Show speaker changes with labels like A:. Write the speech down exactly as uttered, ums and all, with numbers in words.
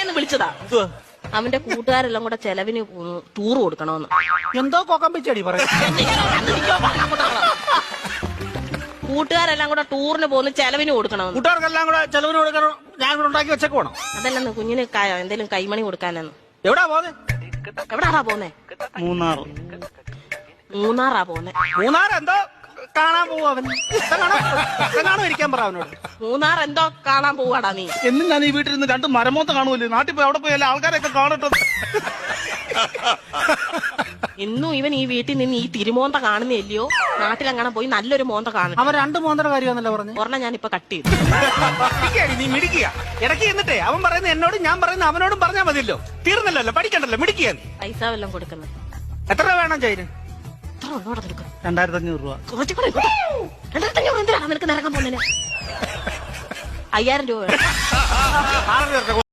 A: പറയാന്ന് വിളിച്ചതാ. അവന്റെ കൂട്ടുകാരെല്ലാം കൂടെ ചെലവിന് ടൂർ കൊടുക്കണോന്ന്.
B: എന്തോ കൊക്കമ്പിച്ചടി പറയാ.
A: കൂട്ടുകാരെല്ലാം കൂടെ ടൂറിന് പോകുന്ന ചെലവിന് കൊടുക്കണമെന്ന്.
B: കൂട്ടുകാർക്കെല്ലാം കൂടെ ചെലവിന് കൊടുക്കണം. ഞാൻ കൂടെ ഉണ്ടാക്കി വെച്ചേക്ക് വേണം.
A: അതല്ലെന്ന് കുഞ്ഞിന് എന്തെങ്കിലും കൈമണി കൊടുക്കാനെന്ന്.
B: എവിടാ പോന്നെ?
A: എവിടാറാ പോന്നെ?
B: മൂന്നാർ.
A: മൂന്നാറാ പോന്നെ.
B: മൂന്നാർ എന്തോ കാണാൻ പോവും അവൻ. കാണോ ഇരിക്കാൻ പറ അവനോട്.
A: മൂന്നാർ എന്തോ കാണാൻ പോവാടാ നീ.
B: എന്നും ഞാൻ ഈ വീട്ടിൽ നിന്ന് രണ്ട് മരമോത്ത കാണുമല്ലോ. നാട്ടിൽ പോയി അവിടെ പോയി എല്ലാ ആൾക്കാരെയൊക്കെ കാണട്ടെ.
A: ഇന്നും ഇവൻ ഈ വീട്ടിൽ നിന്ന് ഈ തിരുമോന്ത കാണുന്നില്ലയോ? നാട്ടിലെങ്ങനെ പോയി നല്ലൊരു മോന്ത കാണും.
B: അവൻ രണ്ട് മോന്തയുടെ കാര്യമാണല്ലോ പറഞ്ഞു.
A: ഒരെണ്ണം ഞാൻ ഇപ്പൊ കട്ട് ചെയ്തു.
B: നീ മിടിക്കുക. ഇടയ്ക്ക് എന്നിട്ടേ അവൻ പറയുന്നത് എന്നോടും ഞാൻ പറയുന്നത് അവനോടും പറഞ്ഞാൽ മതിയല്ലോ. തീർന്നല്ലോ, പഠിക്കണ്ടല്ലോ, മിടിക്കുക.
A: പൈസ വല്ലതും കൊടുക്കുന്നത്
B: എത്ര രൂപ വേണം ചൈന്? രണ്ടായിരത്തി അഞ്ഞൂറ് രൂപ.
A: രണ്ടായിരത്തി അഞ്ഞൂറ് എന്തിനാണ് നിനക്ക് നിറങ്ങാൻ പോകുന്നതിന്? അയ്യായിരം രൂപ വേണം.